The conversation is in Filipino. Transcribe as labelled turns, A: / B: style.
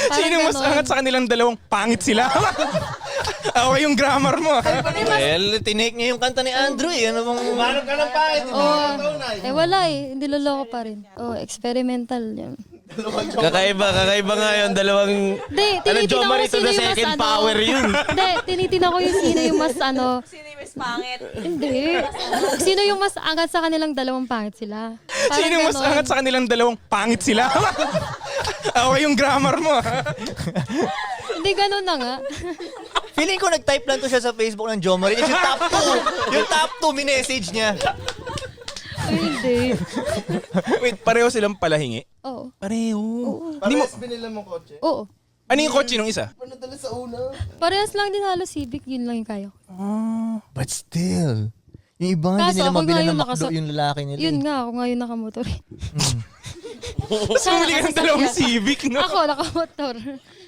A: Sino mas angat sa kanilang dalawang? Pangit sila. Okay yung grammar mo.
B: Well, tinake niya yung kanta ni Andrew eh. Ano bang...
C: Manong ka ng pahit.
D: Wala eh. Hindi loloko pa rin. Experimental yun.
B: Kakaiba nga yun. Dalawang...
D: Hindi,
B: Ano,
D: tinitingnan
B: Jomar
D: ko
B: ito
D: sino
B: the
D: yung mas
B: second power yun.
D: Hindi, tinitingnan ko yung sino yung mas
E: Sino yung mas pangit?
D: Hindi. Sino yung mas angat sa kanilang dalawang pangit sila. Parang
A: Sino mas
D: ganon.
A: angat sa kanilang dalawang? Pangit sila. Okay yung grammar mo.
D: Hindi ganun na nga.
B: Feeling ko nag-type lang to siya sa Facebook ng Jomar. Yung top 2. Yung top 2 minessage niya.
D: Ay, hindi.
A: Wait, pareho silang palahingi?
D: Oo.
A: Pareho.
C: Hindi mo binila mo kotse.
D: Oo.
A: Ano yung kotse nung isa?
C: Panadala sa una.
D: Parehas lang din halos Civic. Yun lang yung kaya ko.
B: But still. Yung iba
D: Kaso,
B: hindi nila
D: ako nga
B: mabila
D: yung
B: ng McDo yung lalaki nila.
D: Yun nga, ako nga yung nakamotor.
A: Sumuli ka ng dalawang Civic, no?
D: Ako, nakamotor.